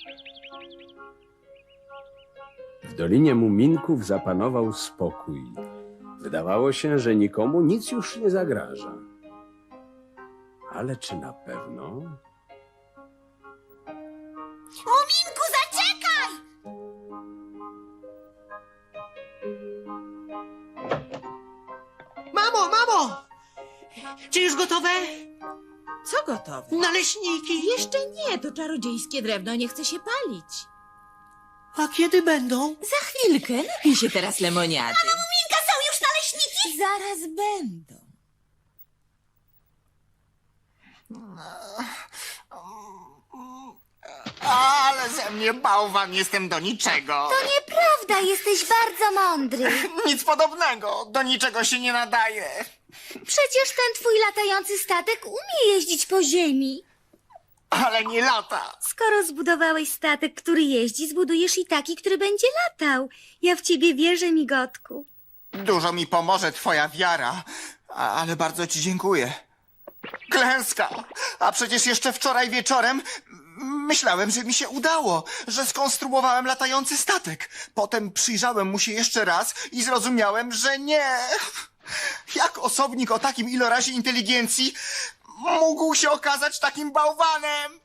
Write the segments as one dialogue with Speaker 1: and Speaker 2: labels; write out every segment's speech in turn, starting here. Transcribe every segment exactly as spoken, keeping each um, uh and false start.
Speaker 1: W Dolinie Muminków zapanował spokój. Wydawało się, że nikomu nic już nie zagraża. Ale czy na pewno?
Speaker 2: Muminku, zaczekaj!
Speaker 3: Mamo, mamo! Czy już gotowe?
Speaker 4: Co gotowe?
Speaker 3: Naleśniki.
Speaker 4: Jeszcze nie, to czarodziejskie drewno nie chce się palić.
Speaker 3: A kiedy będą?
Speaker 4: Za chwilkę, napij się teraz lemoniady.
Speaker 2: Muminka, są już naleśniki?
Speaker 4: Zaraz będą.
Speaker 5: Ale ze mnie bałwan, jestem do niczego.
Speaker 2: To nieprawda, jesteś bardzo mądry.
Speaker 5: Nic podobnego, do niczego się nie nadaje.
Speaker 2: Przecież ten twój latający statek umie jeździć po ziemi.
Speaker 5: Ale nie lata.
Speaker 2: Skoro zbudowałeś statek, który jeździ, zbudujesz i taki, który będzie latał. Ja w ciebie wierzę, migotku.
Speaker 5: Dużo mi pomoże twoja wiara, a- ale bardzo ci dziękuję. Klęska! A przecież jeszcze wczoraj wieczorem myślałem, że mi się udało, że skonstruowałem latający statek. Potem przyjrzałem mu się jeszcze raz i zrozumiałem, że nie. Jak osobnik o takim ilorazie inteligencji mógł się okazać takim bałwanem?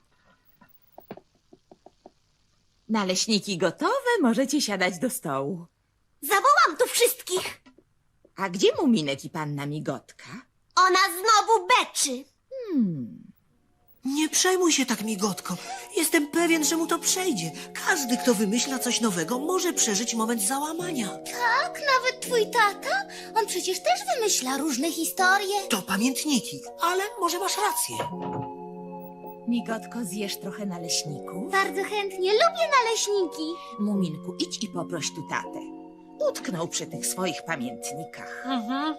Speaker 4: Naleśniki gotowe, możecie siadać do stołu.
Speaker 2: Zawołam tu wszystkich.
Speaker 4: A gdzie Muminek i panna Migotka?
Speaker 2: Ona znowu beczy.
Speaker 4: Hmm,
Speaker 3: Nie przejmuj się tak, migotko. Jestem pewien, że mu to przejdzie. Każdy, kto wymyśla coś nowego, może przeżyć moment załamania.
Speaker 2: Tak, nawet twój tata? On przecież też wymyśla różne historie.
Speaker 3: To pamiętniki, ale może masz rację.
Speaker 4: Migotko, zjesz trochę naleśników?
Speaker 2: Bardzo chętnie, lubię naleśniki.
Speaker 4: Muminku, idź i poproś tu tatę. Utknął przy tych swoich pamiętnikach.
Speaker 3: Mhm.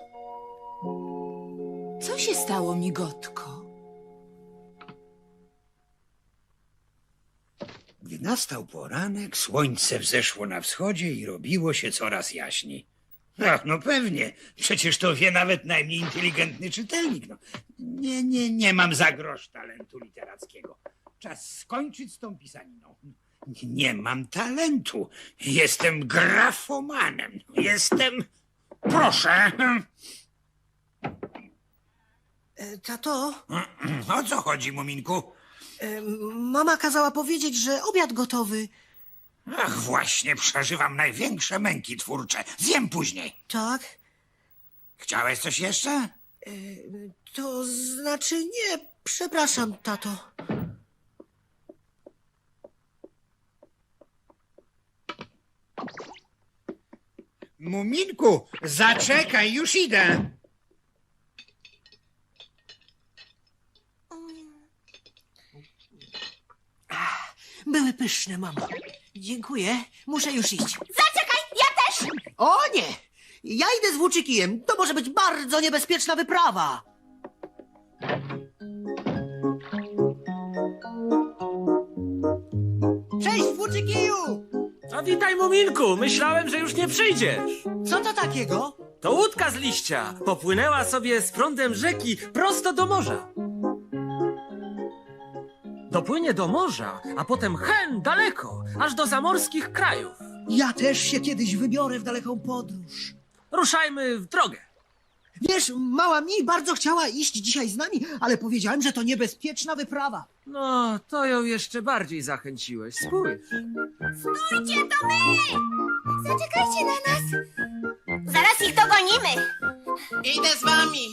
Speaker 4: Co się stało, Migotko?
Speaker 6: Gdy nastał poranek, słońce wzeszło na wschodzie i robiło się coraz jaśniej. Ach, no pewnie, przecież to wie nawet najmniej inteligentny czytelnik. No, nie, nie, nie mam za grosz talentu literackiego. Czas skończyć z tą pisaniną. Nie, nie mam talentu. Jestem grafomanem. Jestem... Proszę.
Speaker 3: E, tato,
Speaker 6: O co chodzi, Muminku?
Speaker 3: e, mama kazała powiedzieć, że obiad gotowy.
Speaker 6: Ach, właśnie przeżywam największe męki twórcze. Zjem później.
Speaker 3: Tak?
Speaker 6: Chciałeś coś jeszcze?
Speaker 3: E, to znaczy nie, przepraszam, tato.
Speaker 6: Muminku, zaczekaj, już idę.
Speaker 3: Były pyszne, mamo. Dziękuję, muszę już iść.
Speaker 2: Zaczekaj, ja też!
Speaker 3: O nie! Ja idę z włóczykijem. To może być bardzo niebezpieczna wyprawa. Cześć, włóczykiju!
Speaker 7: A witaj, Muminku! Myślałem, że już nie przyjdziesz.
Speaker 3: Co to takiego?
Speaker 7: To łódka z liścia. Popłynęła sobie z prądem rzeki prosto do morza. Dopłynie do morza, a potem hen daleko, aż do zamorskich krajów.
Speaker 3: Ja też się kiedyś wybiorę w daleką podróż.
Speaker 7: Ruszajmy w drogę.
Speaker 3: Wiesz, mała mi bardzo chciała iść dzisiaj z nami, ale powiedziałem, że to niebezpieczna wyprawa.
Speaker 7: No, to ją jeszcze bardziej zachęciłeś. Spójrz.
Speaker 2: Stójcie, to my! Zaczekajcie na nas. Zaraz ich dogonimy.
Speaker 3: Idę z wami.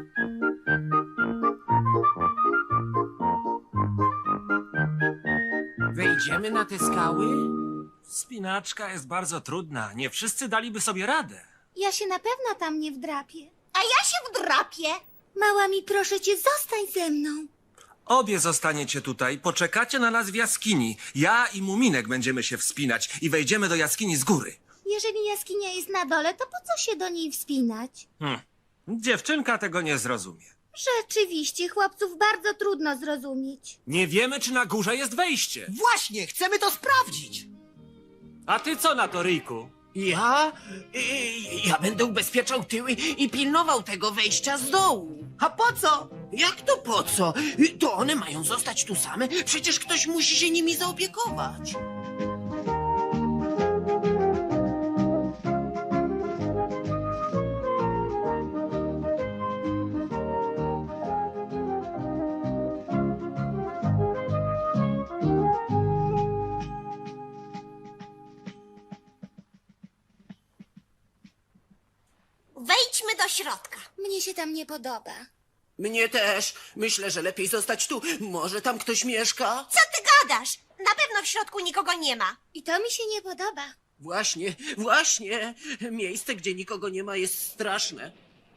Speaker 7: Wejdziemy na te skały? Wspinaczka jest bardzo trudna. Nie wszyscy daliby sobie radę.
Speaker 2: Ja się na pewno tam nie wdrapię. A ja się wdrapię. Mała mi, proszę cię, zostań ze mną.
Speaker 7: Obie zostaniecie tutaj, poczekacie na nas w jaskini. Ja i Muminek będziemy się wspinać i wejdziemy do jaskini z góry.
Speaker 2: Jeżeli jaskinia jest na dole, to po co się do niej wspinać?
Speaker 7: Hm. Dziewczynka tego nie zrozumie.
Speaker 2: Rzeczywiście, chłopców bardzo trudno zrozumieć.
Speaker 7: Nie wiemy, czy na górze jest wejście.
Speaker 3: Właśnie, chcemy to sprawdzić.
Speaker 7: A ty co na to, Ryjku?
Speaker 8: Ja? Y, Ja będę ubezpieczał tyły i pilnował tego wejścia z dołu.
Speaker 3: A po co?
Speaker 8: Jak to po co? Y, To one mają zostać tu same? Przecież ktoś musi się nimi zaopiekować.
Speaker 9: Wejdźmy do środka.
Speaker 2: Mnie się tam nie podoba.
Speaker 8: Mnie też. Myślę, że lepiej zostać tu. Może tam ktoś mieszka?
Speaker 9: Co ty gadasz? Na pewno w środku nikogo nie ma.
Speaker 2: I to mi się nie podoba.
Speaker 8: Właśnie, właśnie. Miejsce, gdzie nikogo nie ma, jest straszne.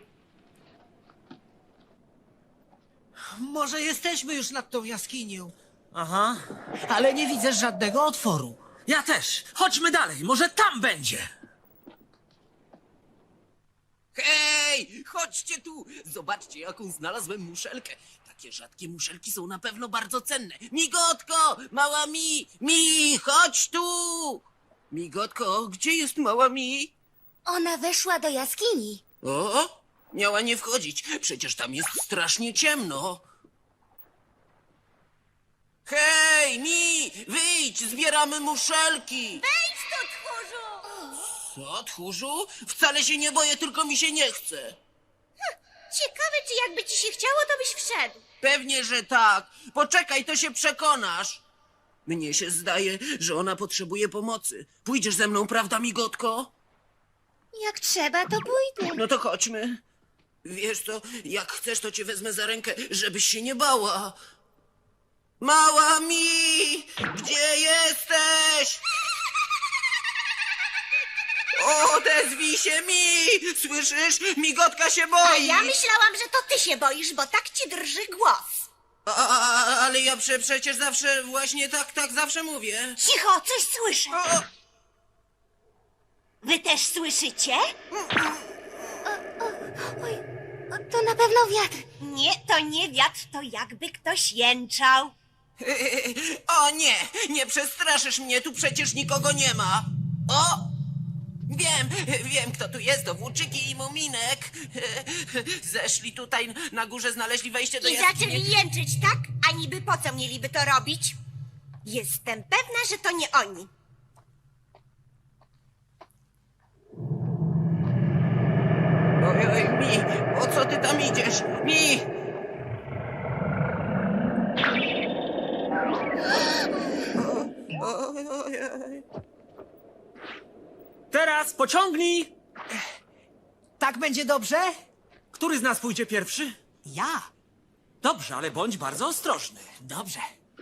Speaker 3: Może jesteśmy już nad tą jaskinią,
Speaker 7: Aha.
Speaker 3: ale nie widzę żadnego otworu.
Speaker 7: Ja też. Chodźmy dalej, może tam będzie.
Speaker 8: Hej, chodźcie tu! Zobaczcie, jaką znalazłem muszelkę. Takie rzadkie muszelki są na pewno bardzo cenne. Migotko! Mała mi! Mi! Chodź tu! Migotko, gdzie jest mała mi?
Speaker 2: Ona weszła do jaskini.
Speaker 8: O! Miała nie wchodzić. Przecież tam jest strasznie ciemno. Hej, mi! Wyjdź! Zbieramy muszelki!
Speaker 9: Wejdź tu, tchórzu!
Speaker 8: Co, tchórzu? Wcale się nie boję, tylko mi się nie chce.
Speaker 9: Ciekawe, czy jakby ci się chciało, to byś wszedł.
Speaker 8: Pewnie, że tak. Poczekaj, to się przekonasz. Mnie się zdaje, że ona potrzebuje pomocy. Pójdziesz ze mną, prawda, migotko?
Speaker 2: Jak trzeba, to pójdę.
Speaker 8: No to chodźmy. Wiesz co, jak chcesz, to cię wezmę za rękę, żebyś się nie bała. Mała mi! Gdzie jesteś? Odezwij się mi! Słyszysz? Migotka się boi!
Speaker 9: A ja myślałam, że to ty się boisz, bo tak ci drży głos.
Speaker 8: A, a, a, ale ja prze, przecież zawsze właśnie tak, tak zawsze mówię.
Speaker 9: Cicho, coś słyszę.
Speaker 8: O,
Speaker 9: Wy też słyszycie?
Speaker 2: Oj, o, to na pewno wiatr.
Speaker 9: Nie, to nie wiatr, to jakby ktoś jęczał.
Speaker 8: o nie, nie przestraszysz mnie, tu przecież nikogo nie ma. O! Wiem, wiem kto tu jest, to Włóczyki i Muminek. Zeszli tutaj, na górze znaleźli wejście do
Speaker 9: I
Speaker 8: jaskini.
Speaker 9: zaczęli jęczyć, tak? A niby po co mieliby to robić? Jestem pewna, że to nie oni.
Speaker 8: Oj, oj, mi, o co ty tam idziesz? Mi! Oj, oj, oj.
Speaker 7: Teraz pociągnij.
Speaker 3: Tak będzie dobrze?
Speaker 7: Który z nas pójdzie pierwszy?
Speaker 3: Ja.
Speaker 7: Dobrze, ale bądź bardzo ostrożny.
Speaker 3: Dobrze.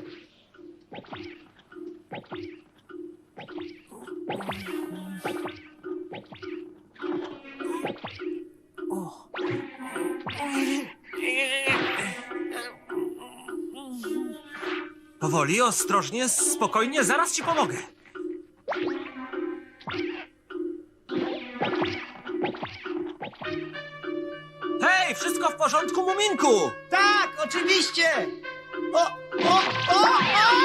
Speaker 7: Powoli, ostrożnie, spokojnie, zaraz ci pomogę. Hej, wszystko w porządku, Muminku?
Speaker 3: Tak, oczywiście! O, o, o, o!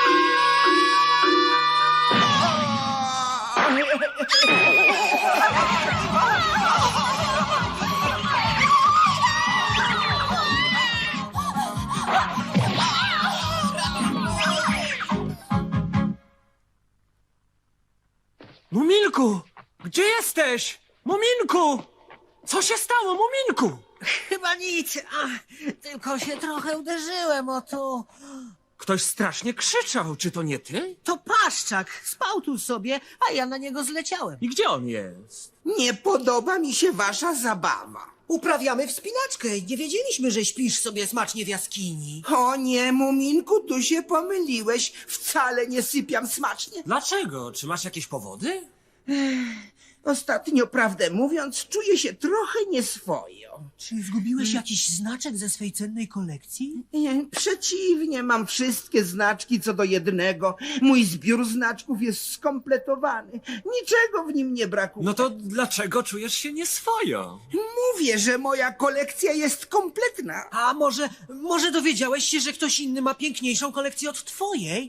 Speaker 7: Muminku, gdzie jesteś? Muminku! Co się stało, Muminku?
Speaker 3: Chyba nic, a, tylko się trochę uderzyłem o to.
Speaker 7: Ktoś strasznie krzyczał, czy to nie ty?
Speaker 3: To Paszczak, spał tu sobie, a ja na niego zleciałem.
Speaker 7: I gdzie on jest?
Speaker 10: Nie podoba mi się wasza zabawa.
Speaker 3: Uprawiamy wspinaczkę. Nie wiedzieliśmy, że śpisz sobie smacznie w jaskini.
Speaker 10: O nie, Muminku, tu się pomyliłeś. Wcale nie sypiam smacznie.
Speaker 7: Dlaczego? Czy masz jakieś powody?
Speaker 10: Ostatnio, prawdę mówiąc, czuję się trochę nieswojo.
Speaker 3: Czy zgubiłeś jakiś znaczek ze swej cennej kolekcji?
Speaker 10: Nie, przeciwnie, mam wszystkie znaczki co do jednego. Mój zbiór znaczków jest skompletowany. Niczego w nim nie brakuje.
Speaker 7: No to dlaczego czujesz się nieswojo?
Speaker 10: Mówię, że moja kolekcja jest kompletna.
Speaker 3: A może, może dowiedziałeś się, że ktoś inny ma piękniejszą kolekcję od twojej?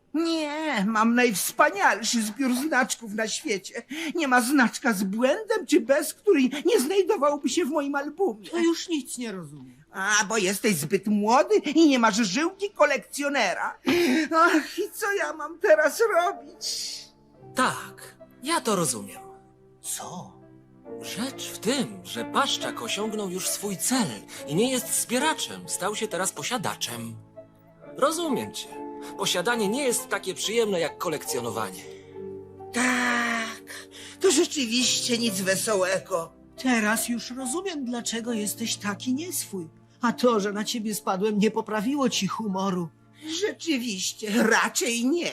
Speaker 10: Nie, mam najwspanialszy zbiór znaczków na świecie. Nie ma znaczka z błędem czy bez, który nie znajdowałby się w moim albumie.
Speaker 3: To już nic nie rozumiem.
Speaker 10: A, bo jesteś zbyt młody i nie masz żyłki kolekcjonera. Ach, i co ja mam teraz robić?
Speaker 7: Tak, ja to rozumiem.
Speaker 3: Co?
Speaker 7: Rzecz w tym, że Paszczak osiągnął już swój cel i nie jest zbieraczem, stał się teraz posiadaczem. Rozumiem cię. Posiadanie nie jest takie przyjemne jak kolekcjonowanie.
Speaker 10: Tak, to rzeczywiście nic wesołego.
Speaker 3: Teraz już rozumiem, dlaczego jesteś taki nieswój. A to, że na ciebie spadłem, nie poprawiło ci humoru.
Speaker 10: Rzeczywiście, raczej nie.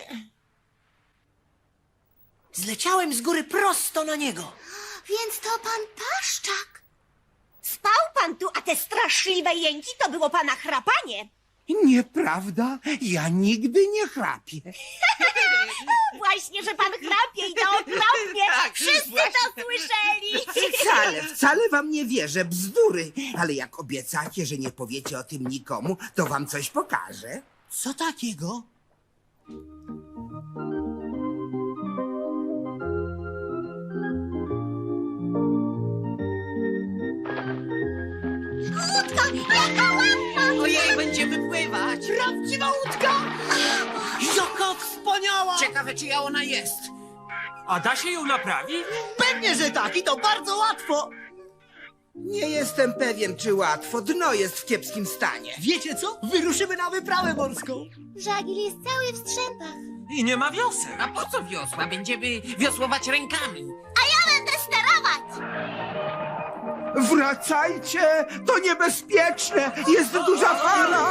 Speaker 3: Zleciałem z góry prosto na niego.
Speaker 9: Więc to pan Paszczak. Spał pan tu, a te straszliwe jęki to było pana chrapanie.
Speaker 10: Nieprawda, ja nigdy nie chrapię.
Speaker 9: Właśnie, że pan chrapie i to okropnie. Wszyscy to słyszeli.
Speaker 10: Wcale, wcale wam nie wierzę, bzdury. Ale jak obiecacie, że nie powiecie o tym nikomu, to wam coś pokażę.
Speaker 3: Co takiego?
Speaker 9: Łódka, jaka ładna.
Speaker 8: Ojej, będziemy pływać!
Speaker 3: Prawdziwa łódka! Jaka wspaniała!
Speaker 8: Ciekawe, czyja ona jest.
Speaker 7: A da się ją naprawić?
Speaker 3: Pewnie, że tak i to bardzo łatwo.
Speaker 10: Nie jestem pewien, czy łatwo. Dno jest w kiepskim stanie.
Speaker 3: Wiecie co? Wyruszymy na wyprawę morską.
Speaker 9: Żagiel jest cały w strzępach.
Speaker 7: I nie ma wiosek.
Speaker 8: A po co wiosła? Będziemy wiosłować rękami.
Speaker 9: A ja będę sterować.
Speaker 10: Wracajcie! To niebezpieczne! Jest duża fala!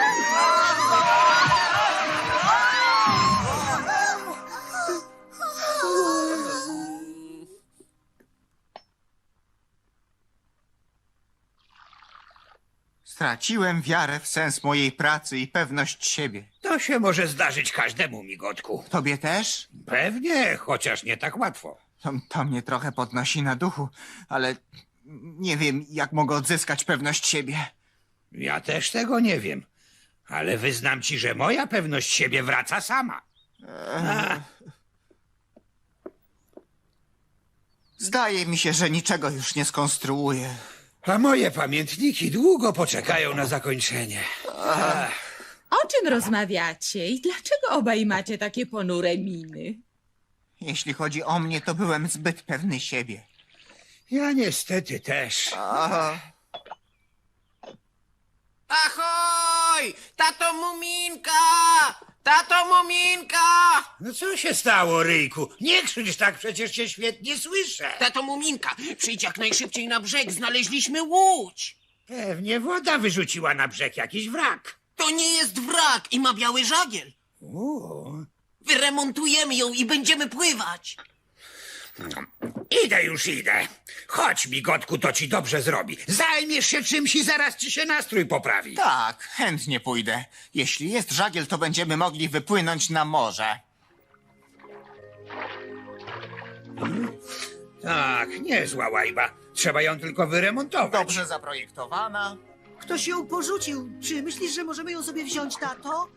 Speaker 5: Straciłem wiarę w sens mojej pracy i pewność siebie.
Speaker 6: To się może zdarzyć każdemu, migotku.
Speaker 5: Tobie też?
Speaker 6: Pewnie, chociaż nie tak łatwo.
Speaker 5: To, to mnie trochę podnosi na duchu, ale nie wiem, jak mogę odzyskać pewność siebie.
Speaker 6: Ja też tego nie wiem. Ale wyznam ci, że moja pewność siebie wraca sama. A,
Speaker 5: Zdaje mi się, że niczego już nie skonstruuję.
Speaker 6: a moje pamiętniki długo poczekają na zakończenie.
Speaker 4: O czym rozmawiacie i dlaczego obaj macie takie ponure miny?
Speaker 5: Jeśli chodzi o mnie, to byłem zbyt pewny siebie.
Speaker 6: Ja niestety też.
Speaker 8: Ahoj! Tato Muminka! Tato Muminka!
Speaker 6: No co się stało, Ryjku? Nie krzycz tak, przecież cię świetnie słyszę.
Speaker 8: Tato Muminka, przyjdź jak najszybciej na brzeg, znaleźliśmy łódź!
Speaker 6: Pewnie woda wyrzuciła na brzeg jakiś wrak.
Speaker 8: To nie jest wrak i ma biały żagiel.
Speaker 6: O,
Speaker 8: Wyremontujemy ją i będziemy pływać.
Speaker 6: idę już, idę. Chodź, migotku, to ci dobrze zrobi. Zajmiesz się czymś i zaraz ci się nastrój poprawi.
Speaker 5: Tak, chętnie pójdę. Jeśli jest żagiel, to będziemy mogli wypłynąć na morze.
Speaker 6: Tak, niezła łajba. Trzeba ją tylko wyremontować.
Speaker 5: Dobrze zaprojektowana.
Speaker 3: Ktoś ją porzucił. Czy myślisz, że możemy ją sobie wziąć, tato?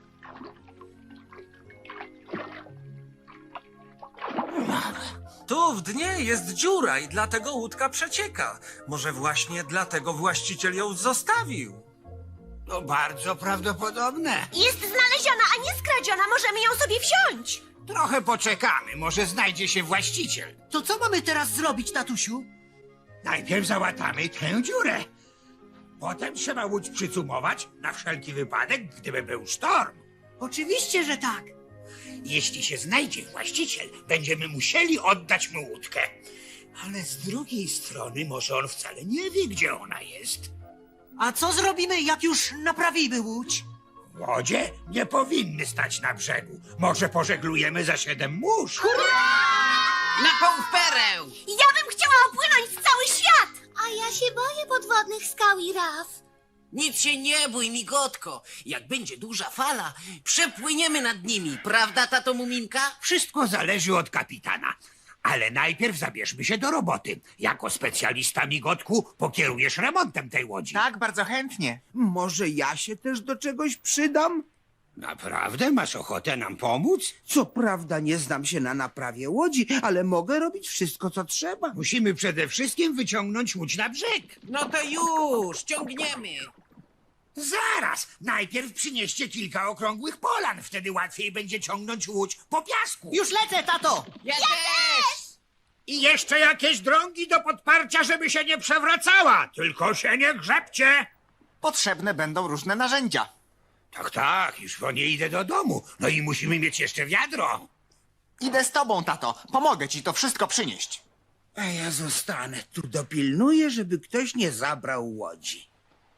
Speaker 7: Tu w dnie jest dziura i dlatego łódka przecieka. Może właśnie dlatego właściciel ją zostawił.
Speaker 6: To bardzo prawdopodobne.
Speaker 9: Jest znaleziona, a nie skradziona. Możemy ją sobie wziąć.
Speaker 6: Trochę poczekamy, może znajdzie się właściciel.
Speaker 3: To co mamy teraz zrobić, tatusiu?
Speaker 6: Najpierw załatamy tę dziurę. Potem trzeba łódź przycumować na wszelki wypadek, gdyby był sztorm.
Speaker 3: Oczywiście, że tak.
Speaker 6: Jeśli się znajdzie właściciel, będziemy musieli oddać mu łódkę. Ale z drugiej strony może on wcale nie wie, gdzie ona jest.
Speaker 3: A co zrobimy, jak już naprawimy łódź?
Speaker 6: Łodzie nie powinny stać na brzegu. Może pożeglujemy za siedem mórz.
Speaker 8: Na pół pereł!
Speaker 9: Ja bym chciała opłynąć w cały świat. A ja się boję podwodnych skał i raf.
Speaker 8: Nic się nie bój, migotko. Jak będzie duża fala, przepłyniemy nad nimi. Prawda, tato Muminka?
Speaker 6: Wszystko zależy od kapitana. Ale najpierw zabierzmy się do roboty. Jako specjalista, migotku, pokierujesz remontem tej łodzi.
Speaker 5: Tak, bardzo chętnie.
Speaker 10: Może ja się też do czegoś przydam?
Speaker 6: Naprawdę masz ochotę nam pomóc?
Speaker 10: Co prawda nie znam się na naprawie łodzi, ale mogę robić wszystko, co trzeba.
Speaker 6: Musimy przede wszystkim wyciągnąć łódź na brzeg.
Speaker 8: No to już, ciągniemy.
Speaker 6: Zaraz! Najpierw przynieście kilka okrągłych polan, wtedy łatwiej będzie ciągnąć łódź po piasku.
Speaker 3: Już lecę, tato!
Speaker 8: Ja, też!
Speaker 6: I jeszcze jakieś drągi do podparcia, żeby się nie przewracała. Tylko się nie grzebcie.
Speaker 5: Potrzebne będą różne narzędzia.
Speaker 6: Tak, tak, już po nie idę do domu. No i musimy mieć jeszcze wiadro.
Speaker 5: Idę z tobą, tato. Pomogę ci to wszystko przynieść.
Speaker 10: A ja zostanę tu, dopilnuję, żeby ktoś nie zabrał łodzi.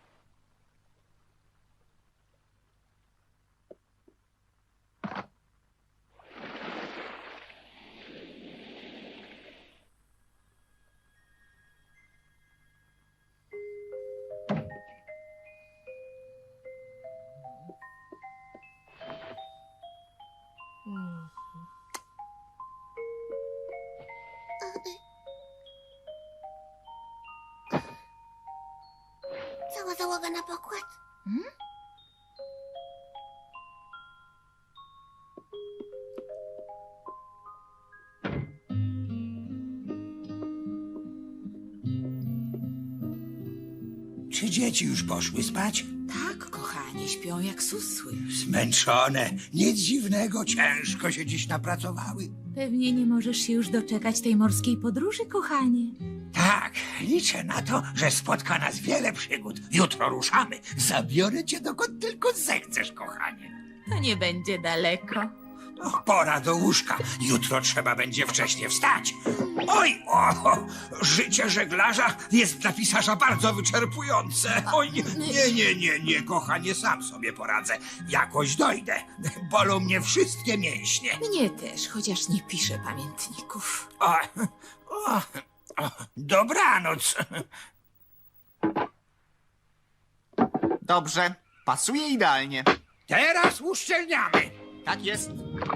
Speaker 9: Cała załoga na pokład. Hmm?
Speaker 6: Czy dzieci już poszły spać?
Speaker 4: Tak, kochanie, śpią jak susły.
Speaker 6: Zmęczone. Nic dziwnego, ciężko się dziś napracowały.
Speaker 11: Pewnie nie możesz się już doczekać tej morskiej podróży, kochanie.
Speaker 6: Tak, liczę na to, że spotka nas wiele przygód. Jutro ruszamy. Zabiorę cię dokąd tylko zechcesz, kochanie.
Speaker 11: To nie będzie daleko.
Speaker 6: O, pora do łóżka. Jutro trzeba będzie wcześnie wstać. Oj, o, życie żeglarza jest dla pisarza bardzo wyczerpujące. Oj, nie, nie, nie, nie, nie, kochanie, sam sobie poradzę. Jakoś dojdę. Bolą mnie wszystkie mięśnie.
Speaker 4: Mnie też, chociaż nie piszę pamiętników.
Speaker 6: O, o, o, dobranoc.
Speaker 5: Dobrze, pasuje idealnie.
Speaker 6: Teraz uszczelniamy.
Speaker 5: Tak jest.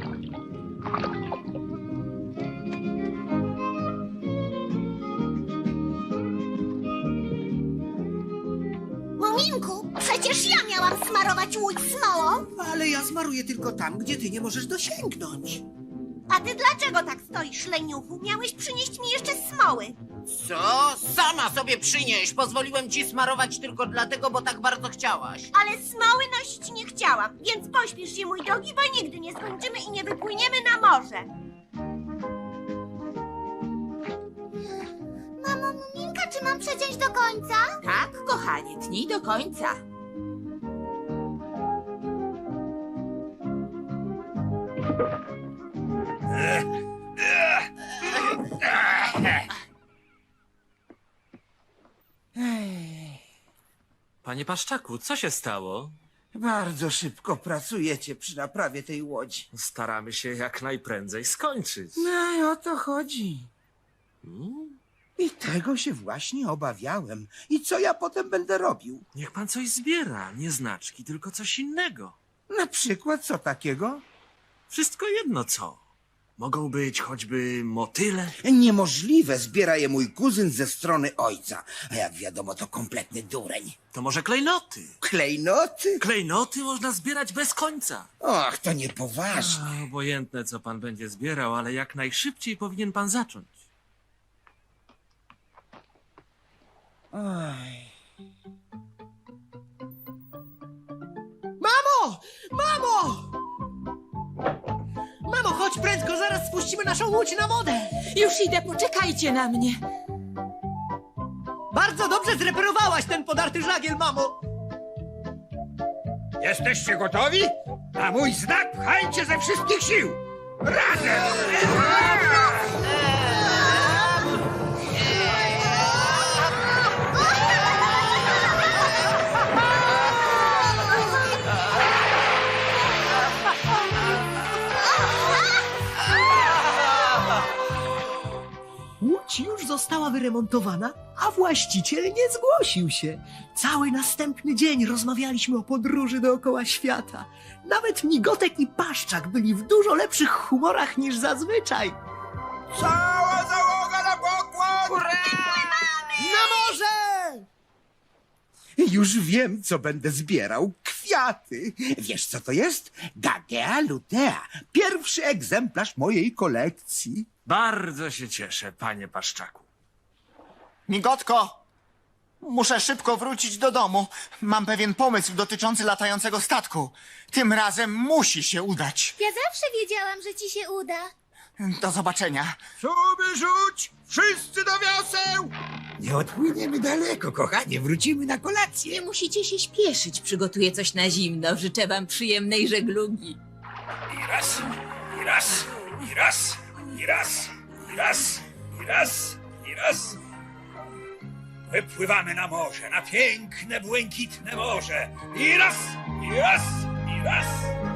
Speaker 9: Muminku, przecież ja miałam smarować łódź smołą.
Speaker 3: Ale ja zmaruję tylko tam, gdzie ty nie możesz dosięgnąć.
Speaker 9: A ty dlaczego tak stoisz, leniuchu? Miałeś przynieść mi jeszcze smoły.
Speaker 8: Co? Sama sobie przynieś. Pozwoliłem ci smarować tylko dlatego, bo tak bardzo chciałaś.
Speaker 9: Ale smoły nosić nie chciałam, więc pośpiesz się, mój drogi, bo nigdy nie skończymy i nie wypłyniemy na morze. Mamo, Muminka, czy mam przeciąć do końca?
Speaker 4: Tak, kochanie, tnij do końca.
Speaker 7: Panie Paszczaku, co się stało?
Speaker 10: Bardzo szybko pracujecie przy naprawie tej łodzi.
Speaker 7: Staramy się jak najprędzej skończyć.
Speaker 10: No i o to chodzi.
Speaker 7: Hmm?
Speaker 10: I tego się właśnie obawiałem. I co ja potem będę robił?
Speaker 7: Niech pan coś zbiera, nie znaczki, tylko coś innego.
Speaker 10: Na przykład co takiego?
Speaker 7: Wszystko jedno co. Mogą być choćby motyle.
Speaker 10: Niemożliwe, zbiera je mój kuzyn ze strony ojca. A jak wiadomo, to kompletny dureń.
Speaker 7: To może klejnoty.
Speaker 10: Klejnoty?
Speaker 7: Klejnoty można zbierać bez końca.
Speaker 10: Och, to niepoważne.
Speaker 7: A, obojętne co pan będzie zbierał, ale jak najszybciej powinien pan zacząć.
Speaker 10: Oj.
Speaker 3: Mamo! Mamo! Mamo, chodź prędko, zaraz spuścimy naszą łódź na wodę.
Speaker 11: Już idę, poczekajcie na mnie.
Speaker 3: Bardzo dobrze zreperowałaś ten podarty żagiel, mamo.
Speaker 6: Jesteście gotowi? Na mój znak pchajcie ze wszystkich sił. Razem!
Speaker 3: Łódź już została wyremontowana, a właściciel nie zgłosił się. Cały następny dzień rozmawialiśmy o podróży dookoła świata. Nawet Migotek i Paszczak byli w dużo lepszych humorach niż zazwyczaj.
Speaker 6: Cała załoga na pokład!
Speaker 3: Na morze!
Speaker 10: Już wiem, co będę zbierał. Kwiaty. Wiesz, co to jest? Gagea lutea. Pierwszy egzemplarz mojej kolekcji.
Speaker 12: Bardzo się cieszę, panie Paszczaku.
Speaker 5: Migotko! Muszę szybko wrócić do domu. Mam pewien pomysł dotyczący latającego statku. Tym razem musi się udać.
Speaker 2: Ja zawsze wiedziałam, że ci się uda.
Speaker 5: Do zobaczenia.
Speaker 6: Suby rzuć! Wszyscy do wioseł! Nie odpłyniemy daleko, kochanie. Wrócimy na kolację.
Speaker 11: Nie musicie się śpieszyć, przygotuję coś na zimno. Życzę wam przyjemnej żeglugi.
Speaker 6: I raz, i raz, i raz, i raz, i raz, i raz, i raz. Wypływamy na morze, na piękne, błękitne morze. I raz, i raz, i raz.